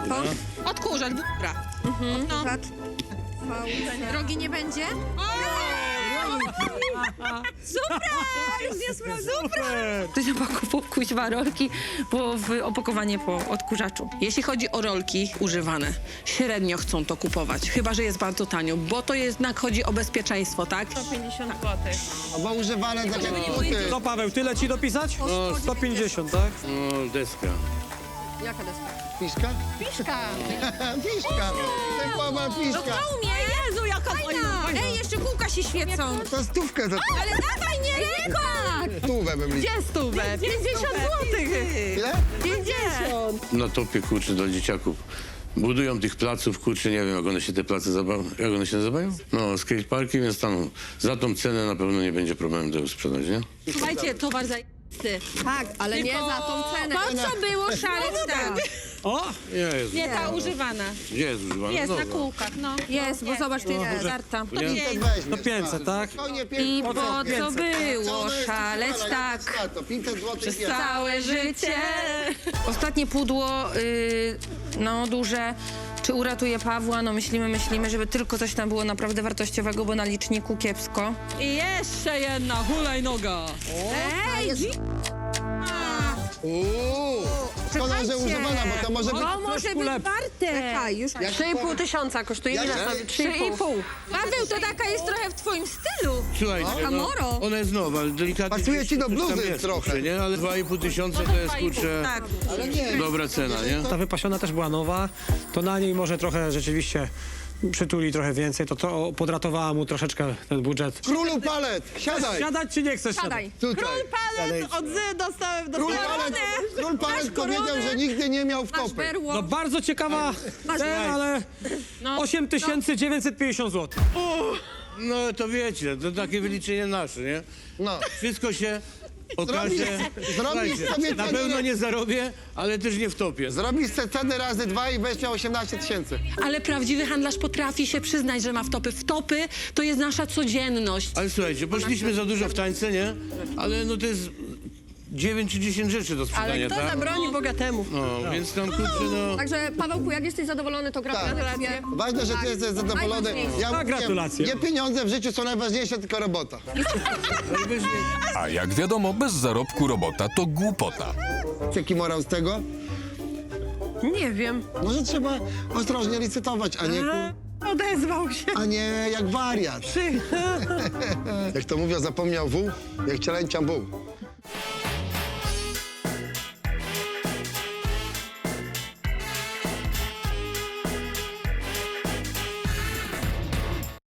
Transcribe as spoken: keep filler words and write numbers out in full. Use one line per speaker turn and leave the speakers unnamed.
to?
Odkurzacz, bura.
Mhm.
No.
Zat- Drogi nie będzie?
Ktoś napakował kuźwa rolki, bo w opakowanie po odkurzaczu.
Jeśli chodzi o rolki używane, średnio chcą to kupować, chyba że jest bardzo tanio, bo to jednak chodzi o bezpieczeństwo, tak?
sto pięćdziesiąt złotych.
Bo używane takie buty.
No Paweł, tyle ci dopisać? No, sto pięćdziesiąt, tak?
No, deska.
Jaka deska?
Piszka?
Piszka.
Piszka. Typowa piszka.
Umie, Jezu, jaka fajna. Ej, jeszcze kółka się świecą.
To stówkę za
Ale dawaj, nie ręka!
stówę bym liczył.
Gdzie stówę? pięćdziesiąt złotych.
Ile?
pięćdziesiąt.
Na topie, kurczę, dla dzieciaków. Budują tych placów, kurczę, nie wiem, jak one się te place zabawią. Jak one się nazywają? No, skateparki, więc tam za tą cenę na pewno nie będzie problemu tego sprzedać, nie?
Słuchajcie, towar za...
Tak, ale nie za tą cenę.
Po co było szaleć tak?
O!
Jest.
Nie ta używana.
Gdzie jest używana?
Jest na
Dobra.
kółkach, no.
Jest, bo zobacz, tu jest żarta.
To nie-
pięćset
No pięćset, tak?
I po co było szaleć tak
To pięćset złotych jest.
całe życie? Ostatnie pudło, y, no duże. Czy uratuje Pawła? No myślimy, myślimy, żeby tylko coś tam było naprawdę wartościowego, bo na liczniku kiepsko.
I jeszcze jedna hulajnoga.
Ej, jest...
Uuu. Szkoda, że używana, bo to może być...
To może być
lepsze.
warte. Czekaj, już...
Jak
trzy i pół tysiąca kosztuje.
Jak-
Ile
jak-
sobie? trzy i pół.
Paweł, to taka jest trochę w twoim stylu.
Słuchajcie, no,
Kamoro.
ona jest nowa, ale delikatnie...
Pasuje
gdzieś
ci do
coś tam
bluzy
jest,
trochę.
kurczę, nie? Ale dwa i pół tysiąca to jest, kurczę,
Tak.
Ale nie.
dobra cena, nie?
Ta wypasiona też była nowa, to na niej może trochę rzeczywiście przytuli trochę więcej, to, to podratowała mu troszeczkę ten budżet.
Królu palet, siadaj.
Siadać czy nie chcesz
Siadaj.
Tutaj.
Palet od Z dostałem do
Król palet, król palet powiedział, że nigdy nie miał
Masz
wtopy.
berło.
No bardzo ciekawa ten, ale osiem tysięcy dziewięćset pięćdziesiąt złotych.
No to wiecie, to takie wyliczenie nasze, nie?
No.
Wszystko się okaże.
zrobić
Słuchajcie,
sobie
na
cenę-
pewno nie zarobię, ale też nie wtopię.
Zrobisz te ceny razy dwa i weź miał osiemnaście tysięcy.
Ale prawdziwy handlarz potrafi się przyznać, że ma wtopy. Wtopy to jest nasza codzienność.
Ale słuchajcie, poszliśmy za dużo w tańce, nie? Ale no to jest dziewięć czy dziesięć rzeczy do sprzedania,
Ale kto
tak?
zabroni bogatemu?
No, więc tam kurczę, no...
Także Pawełku, jak jesteś zadowolony, to gratulacje.
Tak. Ważne, że ty jesteś zadowolony.
Najważniejsze.
Ja
A,
mówię,
gratulacje.
nie pieniądze w życiu są najważniejsze, tylko robota.
najwyżej-
A jak wiadomo, bez zarobku robota to głupota.
Jaki morał z tego?
Nie wiem.
Może trzeba ostrożnie licytować, a nie, ku-
Odezwał się.
a nie jak wariat. Jak to mówią, zapomniał wół, jak cielęcia buł.